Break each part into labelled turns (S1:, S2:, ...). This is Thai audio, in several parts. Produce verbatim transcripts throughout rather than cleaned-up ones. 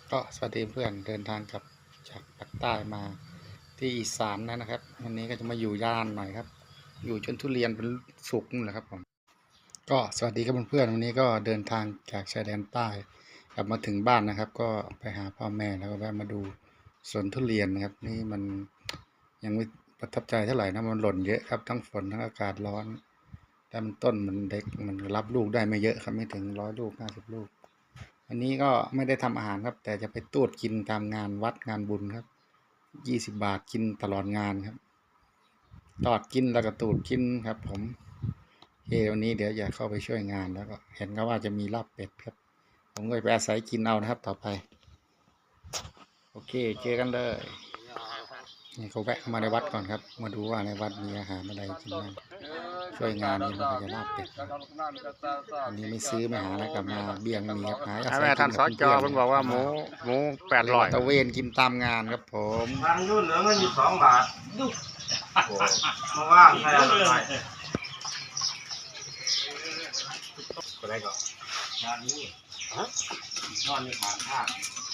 S1: ก็สวัสดีเพื่อนเดินทางกับจากภาคใต้มาที่อีสานนะครับวันนี้ก็จะมาอยู่ย่านหน่อยครับอยู่จนทุเรียนเป็นสุกนี่แหละครับผมก็สวัสดีครับเพื่อนวันนี้ก็เดินทางจากชายแดนใต้กลับมาถึงบ้านนะครับ ก็ไปหาพ่อแม่แล้วก็แวะมาดูสวนทุเรียนนะครับนี่มันยังไม่ประทับใจเท่าไหร่นะมันหล่นเยอะครับทั้งฝนทั้งอากาศร้อนแต่มันต้นมันเล็กมันรับลูกได้ไม่เยอะครับไม่ถึงร้อยลูกห้าสิบลูกอันนี้ก็ไม่ได้ทำอาหารครับแต่จะไปตูดกินตามงานวัดงานบุญครับยี่สิบบาทกินตลอดงานครับตอดกินแล้วก็ตูดกินครับผมเฮ้วันนี้เดี๋ยวจะเข้าไปช่วยงานแล้วก็เห็นเขาว่าจะมีลาบเป็ดครับผมก็ไปอาศัยกินเอานะครับต่อไปโอเคเจอกันเลยนี่เขาแวะมาในวัดก่อนครับมาดูว่าในวัดมีอาหารอะไรกินบ้างช่วยงานนี่มันก็จะลาบเป็ดอันนี้ไม่ซื้อไม่หาแล้วกลับมาเบี้ยงมีครับหาอาศัยกินกับเพื่อนๆ
S2: เพิ่นบอกว่าหมูหมูแปดร้อย
S1: ตะเวนกินตามงานครับผม
S3: ทางนู้นเหลือเงินอยู่สองบาทมาว่างใครเอาไปก็ได้ก็งานนี้ฮะนอนในฐานภาค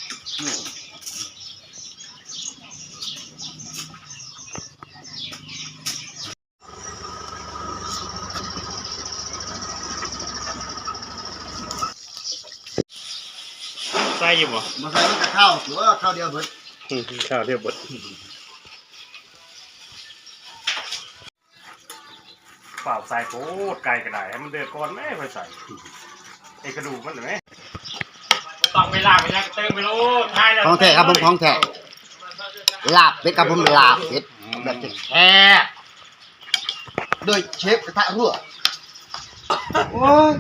S2: ใส่อยู่บ่
S3: มาใส่มันจะเข้าหรือว่าเข้าเดียวเบิด
S2: ข้าวเรียบหมดเปล่าใส่โคตรไก่กระไดให้มันเดือดก่อนแม่ค่อยใส่ไอ้กระดูกมันเห็นไหมต้องไปลากไปแล้วเติมไปโลทายแล้ว
S3: ของแท้ครับผมของแท้ลาบเป็ดครับผมลาบเป็ดแบบแท้โดยเชฟกระทะรั่วโอ้ย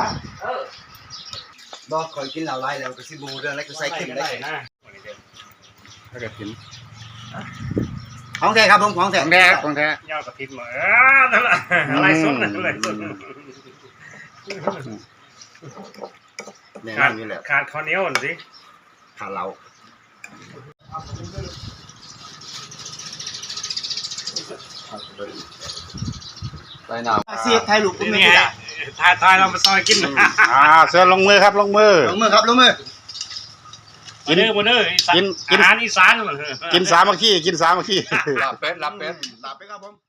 S3: บอกคอยกินเหล้าไรแล้วก็สิบูเรื่องอะไรก็ใส่เข้มได้
S2: นะ
S1: ถ้าเกิดกิน
S3: ของแท้ครับผมของแท้
S1: ของแท้ของแท้
S2: ยาวกระทินมาเออนั่นแหละอะไรสดอะไรสด
S3: แน่
S2: ขาด
S3: นี่แหละ
S2: ขาดข้าวเหนียวสิ
S3: ขาเราไปหนาวเสียบไทยลูกกุ้งไม่
S2: นี่
S3: ได้
S2: ทายทายเรามาซอยกิน
S1: อ่าเสือลงมือครับลงมือ
S3: ลงมือครับลงมือ
S2: กินเด้อมาเด้ออีสาน
S1: กินกิน
S2: อาหารอีสาน
S1: กินสามัคคีกินสามัคคี
S3: ลาบเป็ดลาบเป็ดลาบเป็ดครับผม